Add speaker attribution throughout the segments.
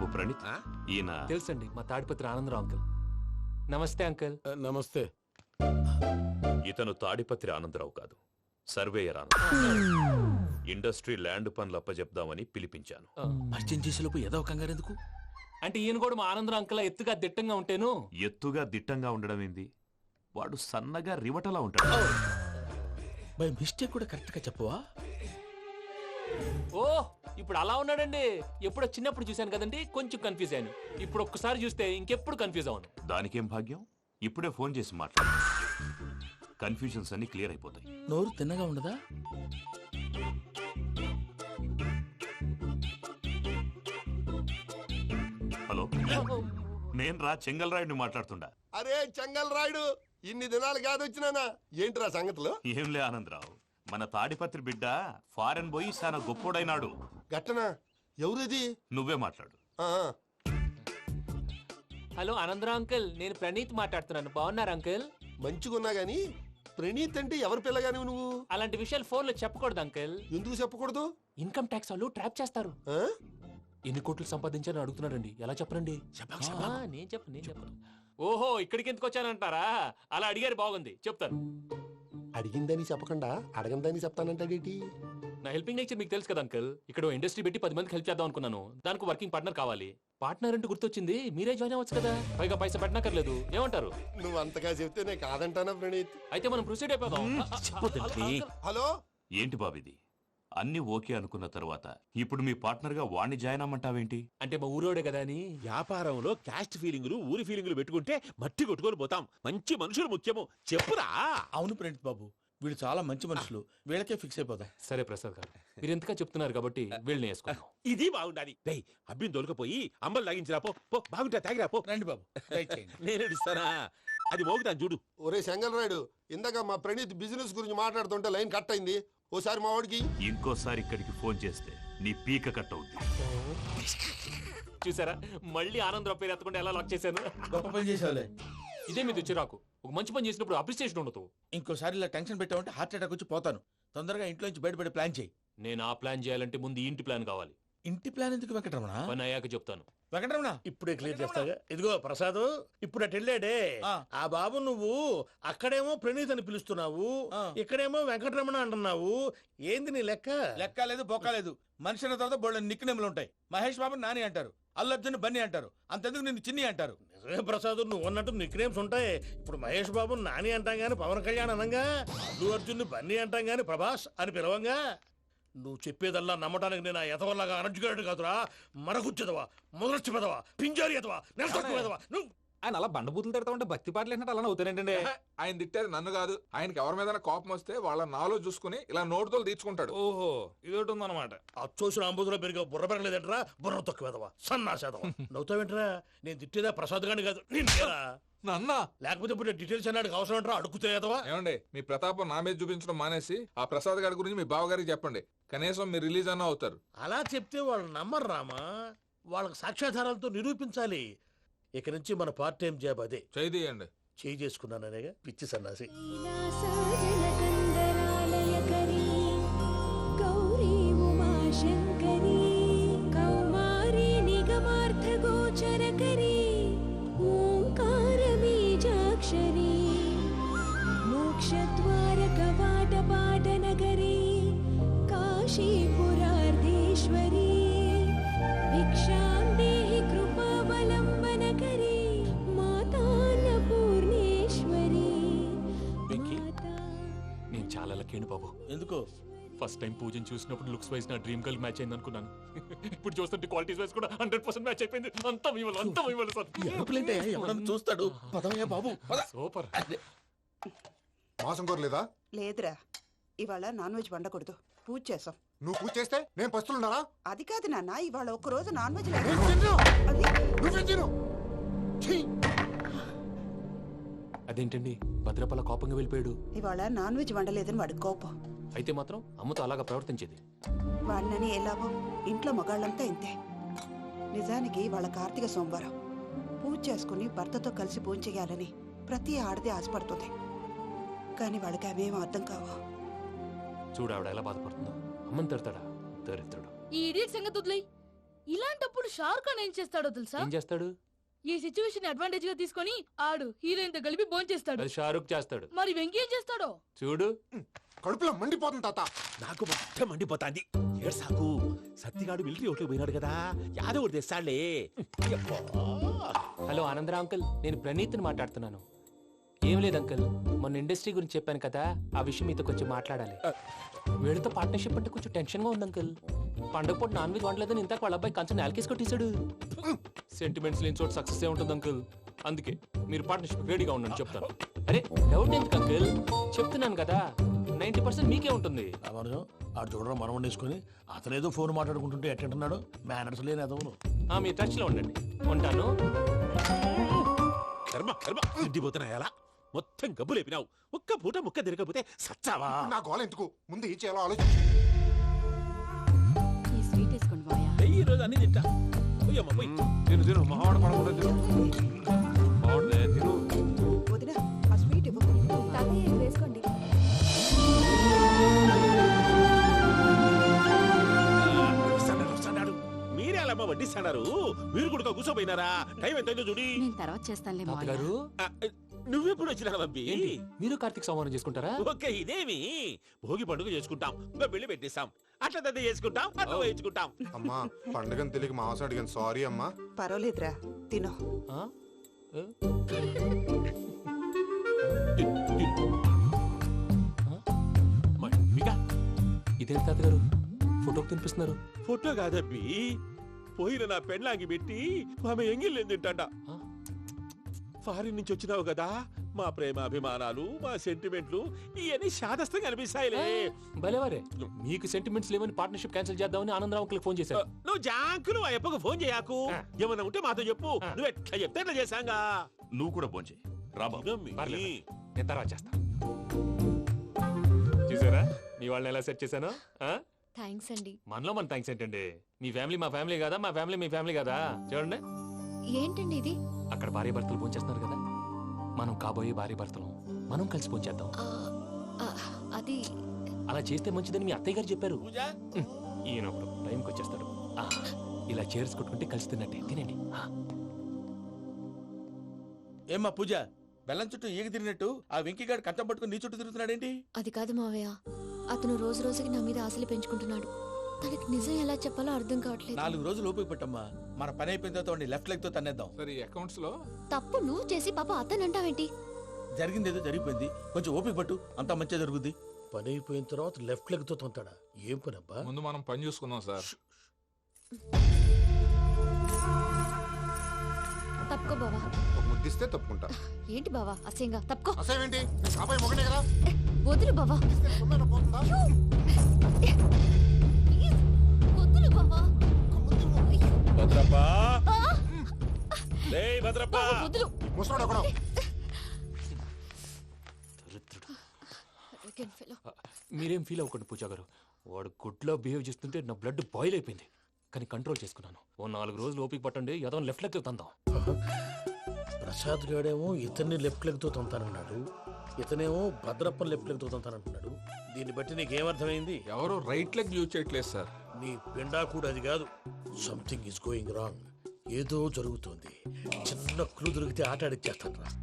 Speaker 1: ప్రణీత్, ఈయన
Speaker 2: తెలుసండి, మా తాడిపత్రి ఆనందరావు అంకుల్. నమస్తే అంకుల్.
Speaker 3: నమస్తే.
Speaker 1: ఇతను తాడిపత్రి ఆనందరావు కాదు, సర్వేయర్ ఆనందరావు. ఇండస్ట్రీ ల్యాండ్ పనులు అప్పజెప్దామని పిలిపించాను.
Speaker 3: పరిచయం చేసేలోపు ఏదో కంగారు ఎందుకు?
Speaker 2: అంటే ఈయన కూడా మా ఆనందరావు అంకుల్ ఎత్తుగా దిట్టంగా ఉంటేను.
Speaker 1: ఎత్తుగా దిట్టంగా ఉండడం ఏంది, వాడు సన్నగా రివటలా ఉంటాడు.
Speaker 3: బై మిస్టేక్ కూడా కరెక్ట్ గా చెప్పవా?
Speaker 2: ఓ ఇప్పుడు అలా ఉన్నాడండి. ఎప్పుడో చిన్నప్పుడు చూశాను కదండి, కొంచెం కన్ఫ్యూజ్ అయ్యాను. ఇప్పుడు ఒక్కసారి చూస్తే ఇంకెప్పుడు కన్ఫ్యూజ్ అవ్వను.
Speaker 1: దానికేం భాగ్యం, ఇప్పుడే ఫోన్ చేసి మాట్లాడు. కన్ఫ్యూజన్స్ అన్ని క్లియర్ అయిపోతాయి.
Speaker 3: నోరు తిన్నగా ఉండదా?
Speaker 1: హలో, నేను రా చెంగల్ రాయుడిని మాట్లాడుతుండా.
Speaker 4: అరే చెంగల్ రాయుడు, ఇన్ని దినాలు కాదు వచ్చినానా? ఏంట్రా సంగతులు?
Speaker 1: ఏంలే ఆనందరావు, మన తాడిపత్రి బిడ్డ ఫారెన్ పోయి చాలా గొప్పోడైనాడు.
Speaker 4: గట్టనా? ఎవరిది?
Speaker 1: నువ్వే మాట్లాడు.
Speaker 2: హలో ఆనందరావు అంకుల్, నేను ప్రణీత్ మాట్లాడుతున్నాను. బాగున్నారు అంకుల్?
Speaker 4: మంచిగున్నా గాని ప్రణీత్ అంటే ఎవరి పిల్లగాని నువ్వు?
Speaker 2: అలాంటి విషయాలు ఫోన్ లో చెప్పకూడదు అంకుల్.
Speaker 4: ఎందుకు చెప్పకూడదు?
Speaker 2: ఇన్కమ్ ట్యాక్స్ వాళ్ళు ట్రాప్ చేస్తారు. ఎన్ని కోట్లు సంపాదించాలని అడుగుతున్నాడండి, ఎలా చెప్పరండి? నేను చెప్పను. ఓహో, ఇక్కడికి ఎందుకు వచ్చానంటారా? అలా అడిగారు, బాగుంది, చెప్తాను.
Speaker 4: అడిగిందని చెప్పకుండా అడగందని చెప్తానంటాడేటి?
Speaker 2: నా హెల్పింగ్ నేచర్ మీకు తెలుసు కదా అంకుల్. ఇక్కడ ఇండస్ట్రీ పెట్టి 10 మందికి హెల్ప్ చేద్దాం అనుకున్నాను. దానికి వర్కింగ్ పార్ట్నర్ కావాలి. పార్ట్నర్ అంటే గుర్తొచ్చింది, మీరే జాయిన్ అవ్వచ్చు కదా, పైగా పైసా పెట్టనక్కర్లేదు. ఏమంటారు?
Speaker 4: నువ్వు అంతగా చెప్తే నేను కాదంటానా ప్రణీత్?
Speaker 2: అయితే మనం ప్రొసీడ్ అయిపోదాం.
Speaker 4: హలో,
Speaker 1: ఏంటి బాబిది, అన్ని ఓకే అనుకున్న తర్వాత ఇప్పుడు మీ పార్ట్నర్ గా వాణ్ణి జాయిన్ అమ్మంటావేంటి?
Speaker 2: అంటే మా ఊరోడే కదా అని.
Speaker 5: వ్యాపారంలో క్యాస్ట్ ఫీలింగులు, ఊరి ఫీలింగులు పెట్టుకుంటే మట్టి కొట్టుకొని పోతాం. మంచి మనుషులు ముఖ్యము. చెప్పురా.
Speaker 3: అవును ప్రణీత్ బాబు, వీళ్ళు చాలా మంచి మనుషులు, వీళ్ళకే ఫిక్స్ అయిపోతా.
Speaker 2: సరే ప్రసాద్ గారు, మీరు ఎంతగా చెప్తున్నారు కాబట్టి వీళ్ళని వేసుకున్నాం.
Speaker 5: ఇది బాగుండాలి. డై అబ్బిని దొలకపోయి అంబలు తాగించిరా పో. బాగుంటా తాగిరా పో.
Speaker 3: రండి బాబు,
Speaker 5: నేను ఇస్తానా? అది మోగుతాను చూడు.
Speaker 4: ఒరే చెంగల్ రాయుడు, ఇందాక మా ప్రణీత్ బిజినెస్ గురించి మాట్లాడుతుంటే లైన్ కట్ అయింది. ఓసారి మా వాడికి
Speaker 1: ఇంకోసారి ఇక్కడికి ఫోన్ చేస్తే నీ పీక కట్ అవుద్ది.
Speaker 2: చూసారా, మళ్ళీ ఆనందరావు పేరు ఎత్తకుండా ఎలా లాక్ చేశాను.
Speaker 3: గొప్ప పని చేసేవాళ్ళే.
Speaker 2: ఇదే మీద చిరాకు. ఒక మంచి పని చేసినప్పుడు అప్రిసియేషన్ ఉండదు.
Speaker 3: ఇంకోసారి ఇలా టెన్షన్ పెట్టామంటే హార్ట్ అటాక్ వచ్చి పోతాను. తొందరగా ఇంట్లో నుంచి బయటపడే ప్లాన్ చేయి.
Speaker 2: నేను ఆ ప్లాన్ చేయాలంటే ముందు ఇంటి ప్లాన్ కావాలి.
Speaker 3: ఇంటి ప్లాన్ ఎందుకు వెంకటరమణ?
Speaker 2: పని అయ్యాక చెప్తాను.
Speaker 3: వెంకటరమణ
Speaker 6: ఇప్పుడే క్లియర్ చేస్తాగా. ఇదిగో ప్రసాద్, ఇప్పుడు అటు వెళ్ళాడే ఆ బాబు, నువ్వు అక్కడేమో ప్రణీత్ అని పిలుస్తున్నావు, ఇక్కడేమో వెంకటరమణ అంటున్నావు. ఏంది నీ లెక్క?
Speaker 3: లెక్క లేదు, బొక్క లేదు. మనిషి అన్న తర్వాత బోళ్ళ నిక్నెములు ఉంటాయి. మహేష్ బాబు నాని అంటారు, అల్లు అర్జున్ బన్నీ అంటారు, అంతెందుకు నిన్ను చిన్ని అంటారు.
Speaker 6: నిజమే ప్రసాద్, నువ్వు అన్నట్టు నిక్నేమ్స్ ఉంటాయి. ఇప్పుడు మహేష్ బాబు నాని అంటాం గాని పవన్ కళ్యాణ్ అనంగా, అల్లు అర్జున్ బన్నీ అంటాం గాని ప్రభాస్ అని పిలవంగా. నువ్వు చెప్పేదల్లా నమ్మటానికి నేను ఎతవల్లాగా అనర్జుకేటెడ్ కాదురా. మరగుచ్చదవా, మొదలచ్చి పెదవా, పింజారి ఎదవా, నెలసొక్కుదవా నువ్వు.
Speaker 7: ఆయన అలా బండబూతులు తిడతా ఉంటే భక్తి పాటలు ఏంటంటే అలా అవుతానంటే.
Speaker 8: ఆయన తిట్టేది నన్ను కాదు, ఆయనకి ఎవరి మీద కోపం వస్తే వాళ్ళ నాలో చూసుకుని ఇలా నోటుతో తీర్చుకుంటాడు.
Speaker 7: ఓహో, ఇదొకటి ఉందన్నమాట.
Speaker 6: అచ్చోసిన అంబుధులో పెరిగే బుర్ర పెరగలేదంటరా, బుర్ర తొక్కువేదవా, సన్నాసేదవా. నవ్వుతావేంట్రా? నేను తిట్టేదా ప్రసాద్ గాని కాదు, నిన్నేరా.
Speaker 8: నన్నా?
Speaker 6: లేకపోతే ఇప్పుడు డీటెయిల్స్ అన్నాడు అవసరం అంటారా? అడుగుతాయేదవా?
Speaker 8: ఏమండి, మీ ప్రతాపం నా మీద చూపించడం మానేసి ఆ ప్రసాద్ గారి గురించి మీ బావగారికి చెప్పండి. కనీసం మీరు రిలీజ్ అన్న అవుతారు.
Speaker 6: అలా చెప్తే వాళ్ళు నమ్మరు రామా. వాళ్ళకి సాక్ష్యాధారాలతో నిరూపించాలి. ఇక నుంచి మన పార్ట్ టైం జాబ్ అదే.
Speaker 8: చేయండి.
Speaker 6: చేయి చేసుకున్నాననేగా పిచ్చి సన్నాసి.
Speaker 2: బాబు
Speaker 3: ఎందుకు?
Speaker 2: ఫస్ట్ టైం పూజను చూసినప్పుడు లుక్స్ వైజ్ నా డ్రీమ్ గర్ల్ మ్యాచ్ అయింది అనుకున్నాను. ఇప్పుడు చూస్తుంటే క్వాలిటీస్ వైజ్ కూడా 100% మ్యాచ్ అయిపోయింది. అంతా ఇవ్వాలి
Speaker 3: సార్. చూస్తాడు. బాబు
Speaker 2: సూపర్.
Speaker 4: మాసం కోరలేదా?
Speaker 9: లేదురా, ఇవాళ నాన్ వెజ్ వండకూడదు. పూజ చేసాం.
Speaker 4: నువ్వు పూజ చేస్తే నేను పస్తులున్నారా?
Speaker 9: అది కాదు నాన్న, ఇవాళ ఒక్క రోజు నాన్ వెజ్
Speaker 2: అదేంటండి భద్రపల కోపంగా వెళ్ళిపోయాడు?
Speaker 9: ఇవాళ నాన్ వెజ్ వండలేదని వాడి కోపం.
Speaker 2: అయితే మాత్రం అమ్మతో అలాగా ప్రవర్తించేది.
Speaker 9: వాడినని ఎలాగో ఇంట్లో మగాళ్ళంతా ఇంతే. నిజానికి వాళ్ళ కార్తీక సోమవారం పూజ చేసుకుని భర్తతో కలిసి పూజ చేయాలని ప్రతి ఆడది ఆశపడుతుంది. కానీ వాడికి అవేం అర్థం కావు.
Speaker 2: చూడు ఆవిడ ఎలా బాధపడుతుందో. అమ్మని తిడతాడా? దరిద్రుడు.
Speaker 10: ఈ ఇడియట్ సంగతి వదిలేయ్. ఇలాంటప్పుడు షారుఖ్ ఖాన్ ఏం చేస్తాడో తెలుసా?
Speaker 2: ఏం చేస్తాడు?
Speaker 10: ఈ సిచ్యువేషన్ అడ్వాంటేజ్ గా తీసుకొని ఆడు హీరోయిన్ తో కలిపి భోంచేస్తాడు.
Speaker 2: అది షారుఖ్ చేస్తాడు.
Speaker 10: మరి వెంకీ ఏం చేస్తాడో
Speaker 2: చూడు.
Speaker 4: కడుపులో మండిపోతుంది తాత.
Speaker 5: నాకు మొత్తం మండిపోతాంది. ఏడు సాకు సత్తిగాడు మిలిటరీ ఓట్లకు పోయినాడు కదా, యాదవ్ ఒకటి తెస్తాడులే.
Speaker 2: హలో ఆనందరావు అంకుల్, నేను ప్రణీత్ని మాట్లాడుతున్నాను. ఏం లేదు అంకుల్, మొన్న ఇండస్ట్రీ గురించి చెప్పాను కదా, ఆ విషయం మీతో కొంచెం మాట్లాడాలి. వీళ్ళతో పార్ట్నర్షిప్ అంటే కొంచెం టెన్షన్ గా ఉంది అంకుల్. పండగ పూట నాన్ వెజ్ వండలేదని ఇంతకు వాళ్ళ అబ్బాయి కంచెం నేలకేసి కొట్టేశాడు. సెంటిమెంట్స్ లేని చోట సక్సెస్ ఏ ఉంటుంది అంకుల్. అందుకే మీరు పార్ట్నర్షిప్ రెడీగా ఉండండి చెప్తాను. అరే డౌట్ ఎందుకు అంకుల్, చెప్తున్నాను కదా 90% మీకే ఉంటుంది.
Speaker 6: రామానుజం ఆడు చూడడం మనం వండేసుకుని అతనేదో ఫోన్ మాట్లాడుకుంటుంటే ఎట్టంటున్నాడు. మేనర్స్ లేని అదవును.
Speaker 2: మీ టచ్ లో ఉండండి. ఉంటాను.
Speaker 5: కర్మ కర్మ తిండిపోతున్నాయలా మొత్తం గబ్బు లేపినావు. ఒక్క పూట ముక్క తిరగకపోతే సచ్చావా?
Speaker 4: నా గోల ఎందుకు, ముందు ఏం చేయాలో ఆలోచించు.
Speaker 10: ఈ స్వీట్ వేసుకోండి బాయా.
Speaker 5: ఈ రోజు అన్ని తింటా. పోయమ్మ పోయి.
Speaker 8: తిను తిను మావాడ పడకుండా తిను. మావాడదే తిను.
Speaker 9: వదిన ఆ స్వీట్ ఇవ్వ.
Speaker 10: తాతయ్య వేసుకోండి.
Speaker 5: వస్తాడు. మీరే అలా వడ్డిస్తాడారు. మీరు కూడా కూర్చోపోయినారా? టైం ఎంతైందో చూడి.
Speaker 10: నేను తర్వాత చేస్తానులే
Speaker 2: తాతగారు,
Speaker 5: నువ్వెప్పుడు వచ్చినా బంబి?
Speaker 2: ఏంటి మీరు కార్తీక్ సంహారం చేసుకుంటారా?
Speaker 5: ఓకే, ఇదేమి భోగి పండుగ చేసుకుంటాం, పెళ్లి పెట్టిస్తాం, అట్లా దద్ద చేసుకుంటాం, అట్లా వేయించుకుంటాం.
Speaker 4: అమ్మా పండుగని తెలియక మాంసం అడిగాను, సారీ అమ్మా.
Speaker 9: పర్వాలేదురా, తినో.
Speaker 2: ఆ? ఏ? ఇదేంటి తాతగారు ఫోటోకి తినిపిస్తున్నారు?
Speaker 5: ఫోటో కాదబ్బి, పోయిన నా పెళ్ళాంగి పెట్టి ఆమె ఎంగిల్లేం తింటాడ. ఫారిన్ నుంచి వచ్చినావు కదా, మా ప్రేమ అభిమానాలు, మా సెంటిమెంట్లు ఇవన్నీ శాదస్తంగా అనిపిస్తాయిలే.
Speaker 2: భలేవారే, మీకు సెంటిమెంట్స్ లేవని పార్ట్నర్షిప్ క్యాన్సిల్ చేద్దామని ఆనందరావు అంకుల్ ఫోన్ చేశారు.
Speaker 5: నువ్వు జాంకులు ఆ అప్పకు ఫోన్ చేయకు. ఏమన్నా ఉంటే మాతో చెప్పు. నువ్వు ఎట్లా చెప్తే ఎట్లా చేశాంగా.
Speaker 1: నువ్వు కూడా ఫోన్ చేయి. రాబా.
Speaker 2: పర్లేదు, నేను తర్వాత చేస్తా. చూసారా మీ వాళ్ళని ఎలా సెట్ చేశాను?
Speaker 10: థ్యాంక్స్ అండి.
Speaker 2: మనలో మన థ్యాంక్స్ ఏంటండి? మీ ఫ్యామిలీ మా ఫ్యామిలీ కదా, మా ఫ్యామిలీ మీ ఫ్యామిలీ కదా. చూడండి,
Speaker 10: ఏంటండి ఇది?
Speaker 2: అక్కడ భార్య భర్తలు భోంచేస్తున్నారు కదా, మనం కాబోయే భార్య భర్తలు మనం కలిసి భోంచేద్దాం.
Speaker 10: అది
Speaker 2: అలా చేస్తే మంచిదని మీ అత్తయ్య గారు చెప్పారు.
Speaker 3: పూజ
Speaker 2: ఈయన ఒకడు టైంకి వచ్చేస్తాడు. ఇలా చేర్స్ కొట్టుకుంటే కలిసి తిన్నట్టే. తినండి.
Speaker 3: ఏమ్మా పూజ, బెల్లం చుట్టూ ఈగ తిరిగినట్టు ఆ వెంకీగాడు కట్టం పట్టుకుని నీ చుట్టూ తిరుగుతున్నాడేంటి?
Speaker 10: అది కాదు మావయ్య, అతను రోజు రోజుకి నా మీద ఆశలు పెంచుకుంటున్నాడు. తనకి నిజం ఎలా చెప్పాలో అర్థం కావట్లేదు.
Speaker 3: 4 రోజులు ఓపిక పట్టమ్మా, మన పని అయిపోయిన తర్వాత లెఫ్ట్ లెగ్ తో తన్నేద్దాం.
Speaker 8: సరే అకౌంట్స్ లో
Speaker 10: తప్పు నువ్వు చేసి పాప అతను అంటావేంటి?
Speaker 3: జరిగింది ఏదో జరిగిపోయింది, కొంచెం ఓపిక పట్టు, అంతా మంచిగా జరుగుద్ది.
Speaker 6: పని అయిపోయిన తర్వాత లెఫ్ట్ లెగ్ తో తొంతాడా? ఏం పని అబ్బా?
Speaker 8: ముందు మనం పని చూసుకుందాం సార్.
Speaker 10: తప్పుకో బావా.
Speaker 4: ఒక ముద్దిస్తే తప్పుకుంటా.
Speaker 10: ఏంటి బావా అసహ్యంగా? తప్పుకో.
Speaker 4: అసేమేంటి, నేను కాబోయే మొగనే కదా.
Speaker 10: వదులు బావా.
Speaker 4: తీసుకెళ్ళి సొమ్మేనా పోతుందా?
Speaker 10: ప్లీజ్, వదులు బావా.
Speaker 5: భద్రప్పా, భద్రప్పా,
Speaker 10: బావా, వదులు.
Speaker 4: ముసలోడు ఒకడు.
Speaker 10: Arrogant fellow.
Speaker 2: మీరేం ఫీల్ అవ్వకండి పూజా గారు. వాడు గుడ్లో బిహేవ్ చేస్తుంటే నా బ్లడ్ బాయిల్ అయిపోయింది. కానీ కంట్రోల్ చేసుకున్నాను. ఓ 4 రోజులు ఓపిక పట్టండి, ఏదో లెఫ్ట్ లెగ్ తందాం.
Speaker 6: ప్రసాద్ గాడేమో ఇతన్ని లెఫ్ట్ లెగ్ తో తొంతానన్నాడు, ఇతనేమో భద్రప్ప లెఫ్ట్ లెగ్ తో తొంతానంటున్నాడు. దీన్ని బట్టి నీకేమర్థమైంది?
Speaker 8: ఎవరు రైట్ లెగ్ యూజ్ చేయట్లేదు సార్.
Speaker 6: నీ పిండా కూడా అది కాదు. Something is going wrong. ఏదో జరుగుతోంది. చిన్న క్లూ దొరికితే ఆట ఆడిచ్చేస్తాను రా.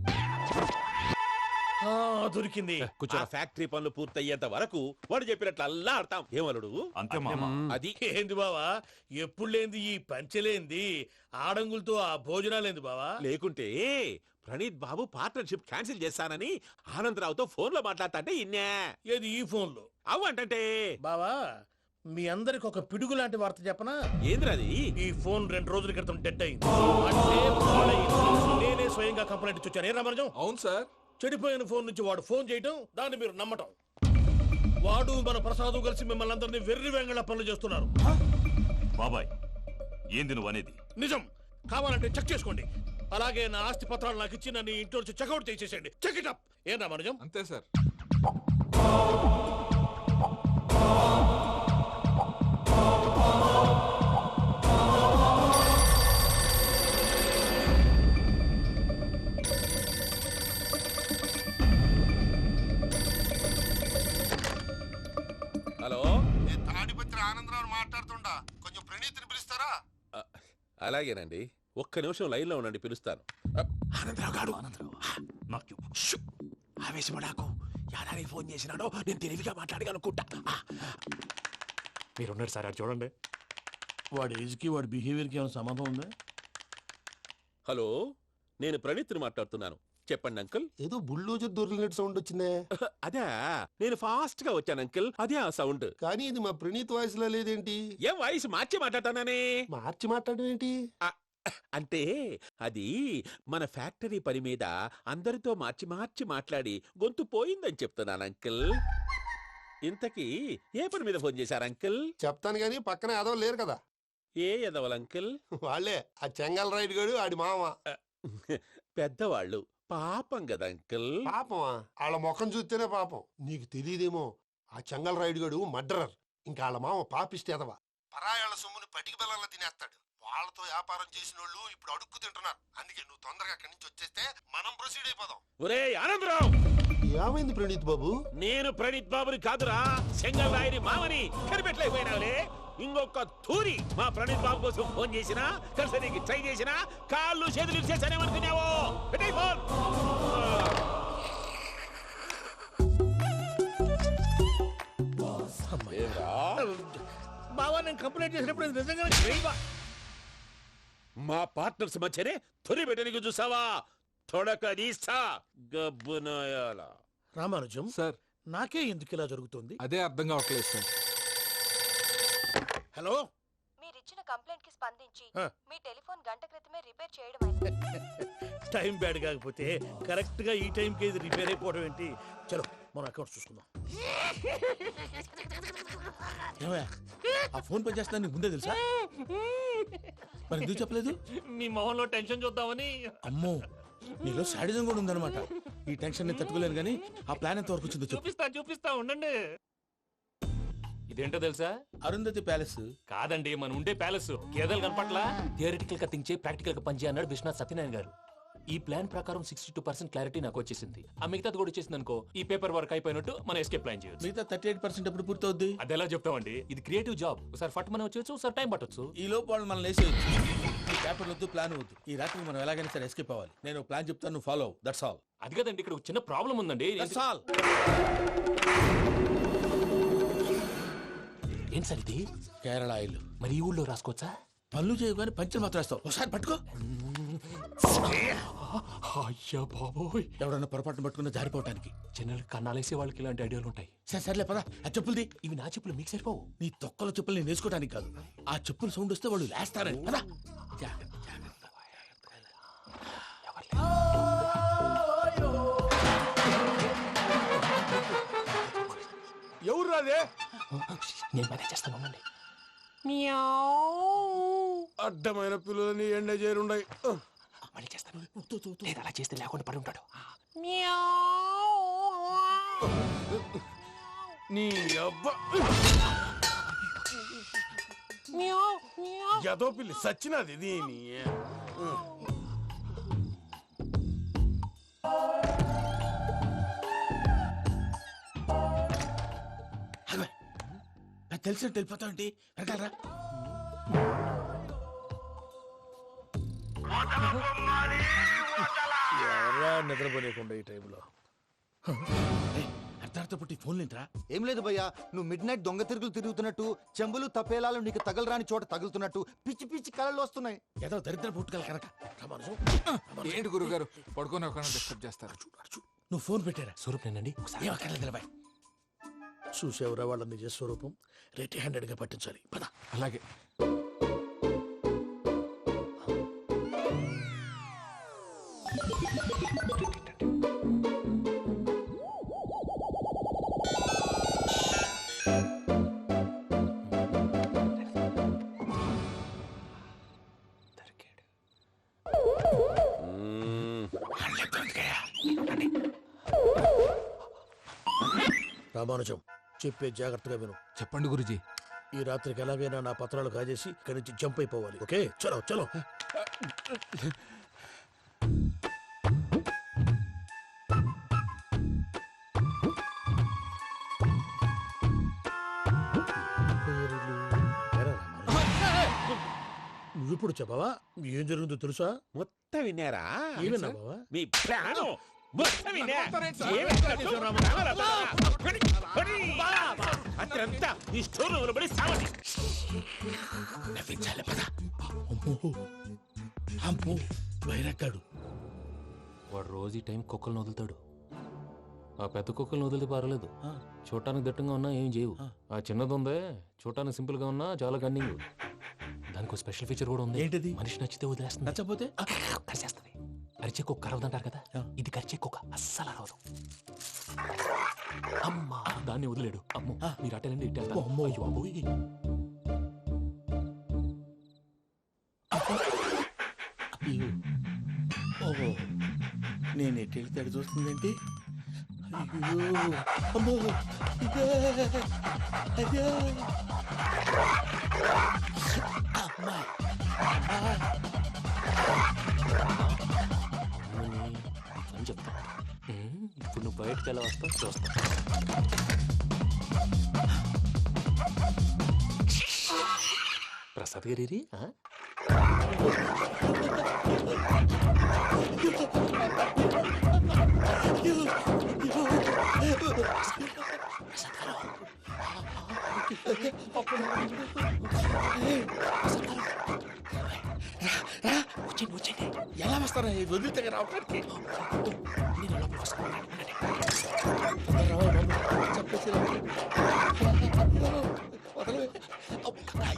Speaker 6: దొరికింది.
Speaker 5: ఆ ఫ్యాక్టరీ పనులు పూర్తయ్యేంత వరకు వాడు చెప్పినట్లు అల్లా ఆడతాం. ఏమలుడు?
Speaker 1: అంతే మామ.
Speaker 5: అది
Speaker 6: ఏంది బావా, ఎప్పుడు లేంది ఈ పంచలేంది, ఆడంగులతో ఆ భోజనాలేంది బావా?
Speaker 5: లేకుంటే ప్రణీత్ బాబు పార్ట్నర్షిప్ క్యాన్సిల్ చేస్తానని ఆనందరావుతో ఫోన్ లో మాట్లాడతాంటే ఇన్నే.
Speaker 6: ఏది ఈ ఫోన్ లో?
Speaker 5: అవు అంటే
Speaker 6: బావా, మీ అందరికి ఒక పిడుగు లాంటి వార్త చెప్పనా?
Speaker 5: ఏంద్రది?
Speaker 6: ఈ ఫోన్ 2 రోజుల క్రితం డెడ్ అయింది. అంటే పాడైంది. నేనే స్వయంగా కంప్లైంట్ ఇచ్చి వచ్చాను. ఏ రామరాజం?
Speaker 8: అవును సార్.
Speaker 6: చెడిపోయిన ఫోన్ నుంచి వాడు ఫోన్ చేయటం, దాన్ని మీరు నమ్మటం. వాడు మన ప్రసాదు కలిసి మిమ్మల్ని అందరినీ వెర్రి వెంగళ పనులు చేస్తున్నారు.
Speaker 1: బాబాయ్, ఏంది నువ్వు అనేది?
Speaker 6: నిజం. కావాలంటే చెక్ చేసుకోండి. అలాగే నా ఆస్తి పత్రాలు నాకు ఇచ్చి నన్ను ఇంట్లో నుంచి చెక్అౌట్ చేసేసండి. Check it up. ఏం రామరాజం?
Speaker 8: అంతే సార్.
Speaker 5: హలో,
Speaker 4: నేను తాడిపత్రి ఆనందరావు మాట్లాడుతుండా కొంచెం ప్రణీతిని పిలుస్తారా?
Speaker 5: అలాగేనండి, ఒక్క నిమిషం లైన్లో ఉండండి, పిలుస్తాను.
Speaker 6: ఆనందరావు గాడు ఆవేశపడాకు. యాదానికి ఫోన్ చేసినాడో నేను తెలివిగా మాట్లాడగలనుకుంటా.
Speaker 2: మీరున్నారు సార్, అది చూడండి.
Speaker 3: వాడి ఏజ్కి వాడి బిహేవియర్కి ఏమైనా సంబంధం ఉందా?
Speaker 5: హలో, నేను ప్రణీత్ని మాట్లాడుతున్నాను. చెప్పండి అంకుల్.
Speaker 4: ఏదో బుల్డోజర్ దొరికినట్టు సౌండ్ వచ్చిందే.
Speaker 5: అదే, నేను ఫాస్ట్ గా వచ్చాను అంకుల్, అదే ఆ సౌండ్.
Speaker 4: కానీ ఇది మా ప్రణీత్ వాయిస్ లో లేదేంటి?
Speaker 5: ఏం వాయిస్ మార్చి మాట్లాడతానని?
Speaker 4: మార్చి మాట్లాడడం ఏంటి?
Speaker 5: అంటే అది మన ఫ్యాక్టరీ పని మీద అందరితో మార్చి మార్చి మాట్లాడి గొంతు పోయిందని చెప్తున్నాను అంకుల్. ఇంతకీ ఏ పని మీద ఫోన్ చేశారు అంకుల్?
Speaker 4: చెప్తాను గానీ పక్కన ఏదో లేరు కదా.
Speaker 5: ఏ ఎదవలు అంకుల్?
Speaker 4: వాళ్ళే ఆ చెంగల్ రైడ్ గడు ఆడి మామ.
Speaker 5: పెద్దవాళ్ళు, పాపం కదా అంకుల్.
Speaker 4: పాపమా? వాళ్ళ ముఖం చూస్తేనే పాపం. నీకు తెలియదేమో, ఆ చెంగల్ రైడ్ గడు మర్డరర్. ఇంకా వాళ్ళ మామ పాపిస్తేదవా. పరాయాళ్ళ సొమ్ముని పటికి బెల్లంలో తినేస్తాడు. వాళ్ళతో వ్యాపారం చేసిన వాళ్ళు ఇప్పుడు అడుక్కు తింటున్నారు. అందుకే నువ్వు తొందరగా అక్కడి నుంచి వచ్చేస్తే మనం ప్రొసీడ్ అయిపోదాం.
Speaker 5: ఒరే ఆనందరావు!
Speaker 4: ఏమైంది ప్రణీత్ బాబు?
Speaker 5: నేను ప్రణీత్ బాబుని కాదురా, సెంగల్ రాయని మామని. కనిపెట్టలేకపోయినావులే. ఇంకొక తూరి మా ప్రణీత్ బాబు కోసం ఫోన్ చేసినా, కలిసి ట్రై చేసినా కాళ్ళు చేతులు చేశానేమనుకున్నావో. పెట్టేయ్ ఫోన్.
Speaker 6: బావా, నేను కంప్లైంట్ చేసినప్పుడు ఇది నిజంగానే చేయవా?
Speaker 5: మా పార్ట్నర్స్ మధ్యనే తొలి పెట్టడానికి చూసావా? తొడక నీస్తా గబ్బునాయాల.
Speaker 6: రామానుజం
Speaker 8: సార్,
Speaker 6: నాకే ఎందుకు ఇలా జరుగుతుంది?
Speaker 8: అదే అర్థం కావట్లేదు సార్.
Speaker 6: హలో,
Speaker 10: మీరిచ్చిన కంప్లైంట్ కి స్పందించి
Speaker 6: ఆ.
Speaker 10: మీ టెలిఫోన్ గంట క్రితమే రిపేర్ చేయడం
Speaker 6: టైం బ్యాడ్ కాకపోతే కరెక్ట్ గా ఈ టైంకి ఇది రిపేర్ అయిపోవడం ఏంటి? చలో మన అకౌంట్ చూసుకుందాం.
Speaker 3: ఏమయ్యా, ఆ ఫోన్ పని చేస్తున్నా నీకు ముందే తెలుసా? మరి ఎందుకు చెప్పలేదు?
Speaker 2: మీ మొహంలో టెన్షన్ చూద్దామని.
Speaker 3: అమ్మో, నీలో శాడిజం కూడా ఉందన్నమాట. ఈ టెన్షన్ ని తట్టుకోలేను కానీ ఆ ప్లాన్ ఎంత వరకు వచ్చిందో చెప్పు.
Speaker 2: చూపిస్తా ఉండండి. ఇదేంటో తెలుసా?
Speaker 3: అరుంధతి ప్యాలెస్
Speaker 2: కాదండి, మన ఉండే ప్యాలెస్. గేదెలు కనపట్లా? థియరిటికల్ గా థింక్ చేయి, ప్రాక్టికల్ గా పనిచేయ అన్నాడు విశ్వనాథ్ సత్యనారాయణ గారు. ఈ ప్లాన్ ప్రకారం 62% క్లారిటీ నాకు వచ్చేసింది. ఆ మిగతాది కూడా వచ్చేసింది అనుకో, ఈ పేపర్ వర్క్ అయిపోయినట్టు మనం ఎస్కేప్ ప్లాన్ చేయొచ్చు.
Speaker 3: మిగతా 38% ఎప్పుడు పూర్తవుద్ది?
Speaker 2: అది ఎలా చెప్తామండి? ఇది క్రియేటివ్ జాబ్. ఒకసారి ఫట్ మనం వచ్చేయచ్చు, ఒకసారి టైం పట్టొచ్చు.
Speaker 3: ఈ లోపు వాళ్ళు మనం లేసేయచ్చు. ఈ పేపర్ వద్దు, ప్లాన్ వద్దు. ఈ రాత్రికి మనం ఎలాగైనా సరే ఎస్కేప్ అవ్వాలి. నేను ప్లాన్ చెప్తాను, నువ్వు ఫాలో. That's all.
Speaker 2: అది కదండి, ఇక్కడ ఒక చిన్న ప్రాబ్లం ఉందండి.
Speaker 3: That's all.
Speaker 2: ఏం సార్ ఇది?
Speaker 3: కేరళ ఆయిల్.
Speaker 2: మరి ఈ ఊళ్ళో రాసుకోవచ్చా?
Speaker 3: పనులు చేయవు కానీ పంచర్ మాత్రం వేస్తావు. ఒకసారి పట్టుకో.
Speaker 2: అయ్యా బాబోయ్,
Speaker 3: ఎవడన్నా పొరపాటున పట్టుకున్న జారిపోవటానికి.
Speaker 2: జనరల్ కన్నాలేసే వాళ్ళకి ఇలాంటి ఐడియాలు ఉంటాయి.
Speaker 3: సర్లే పదా, ఆ చెప్పులది.
Speaker 2: ఇవి నా చెప్పులు, మీకు సరిపోవు.
Speaker 3: నీ తొక్కల చెప్పులు నేను వేసుకోవడానికి కాదు, ఆ చెప్పులు సౌండ్ వస్తే వాళ్ళు లేస్తారని. పదా.
Speaker 4: ఎవరు రాదే?
Speaker 2: నేను మేనేజ్ చేస్తాను, ఉండండి.
Speaker 4: అడ్డమైన పిల్లలని ఎండ చేరుండయి.
Speaker 2: మళ్ళీ చేస్తాను. లేదు, అలా చేస్తే లేకుండా పడి ఉంటాడు.
Speaker 4: నీ అబ్బా ఎదో పిల్లి సచ్చినది దీని.
Speaker 3: నాకు తెలిసినట్టు వెళ్ళిపోతావంటి. వెనకాలరా.
Speaker 6: ఎవరా నిద్రపోలేకుండా ఈ టైంలో?
Speaker 3: అర్ధార్థ పుట్టి ఫోన్ లేంట్రా.
Speaker 11: ఏం లేదు భయ్యా, నువ్వు మిడ్ నైట్ దొంగ తిరుగులు తిరుగుతున్నట్టు, చెంబులు తపేలాలు నీకు తగలరాని చోట తగులుతున్నట్టు పిచ్చి పిచ్చి కళలు వస్తున్నాయి.
Speaker 3: ఏదో దరిద్ర పుట్టుకల కనుక.
Speaker 8: ఏంటి గురుగారు పడుకొని ఒక డిస్టర్బ్ చేస్తారు?
Speaker 3: నువ్వు ఫోన్ పెట్టారా?
Speaker 2: స్వరూప్ నేనండి.
Speaker 3: ఒకసారి
Speaker 6: చూసేవరా వాళ్ళ నిజ స్వరూపం. రెట్టి హ్యాండెడ్ గా పట్టించాలి. పద.
Speaker 8: అలాగే.
Speaker 6: రామానుజం, చెప్పే జాగ్రత్తగా విను.
Speaker 8: చెప్పండి గురుజీ.
Speaker 6: ఈ రాత్రికి ఎలాగైనా నా పత్రాలు కాజేసి ఇక్కడి నుంచి జంప్ అయిపోవాలి. ఓకే, చలో చలో. నువ్విప్పుడు చెప్పవా ఏం జరుగుతుందో తెలుసా?
Speaker 5: మొత్తం విన్నారా?
Speaker 6: ఏమన్నా బావా?
Speaker 5: మీ ప్రాణం మొత్తం విన్నా? అత్రంతా ఈ స్టోర్ రూమ్ పడి సావండి.
Speaker 6: నవ్వించాలి పద. అమ్మో అమ్మో వైరక్కాడు.
Speaker 2: వాడు రోజు ఈ టైం కుక్కలను వదులుతాడు. ఆ పెద్ద కుక్కలను వదిలితే పర్వాలేదు, చూడటానికి దట్టంగా ఉన్నా ఏం చేయవు. ఆ చిన్నది ఉందే, చూడటానికి సింపుల్ గా ఉన్నా చాలా గన్నింగ్. దానికి స్పెషల్ ఫీచర్ కూడా ఉంది.
Speaker 6: ఏంటిది?
Speaker 2: మనిషి నచ్చితే వదిలేస్తుంది,
Speaker 6: నచ్చపోతే
Speaker 2: కరిచేస్తుంది. అరిచే కుక్క అరవదంటారు కదా, ఇది కరిచే కుక్క అస్సలు అరవదు. అమ్మా దాన్ని వదిలేడు. అమ్మో మీరు అటెండి ఇటు వెళ్తారు. అమ్మో అయ్యో అబ్బోయ్.
Speaker 6: ఓహో నేను ఎటు వెళ్తే అటు చూస్తుందేంటి? అయ్యో అమ్మో ఇదే అయ్యో అమ్మా
Speaker 2: అని చెప్తా. ఇప్పుడు నువ్వు బయటకు ఎలా వస్తావు చూస్తా. ప్రసాద్ గారి
Speaker 6: వచ్చేయండి. ఎలా వస్తారా వదిలితే రావడానికి?
Speaker 2: నేను లోపలికి వస్తాను.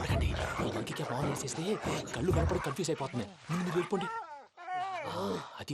Speaker 2: ఈ లంకికి ఫోన్ వేసేస్తే కళ్ళు కనపడి కన్ఫ్యూజ్ అయిపోతున్నాయి. ముందు మీరు వెళ్ళిపోండి. అది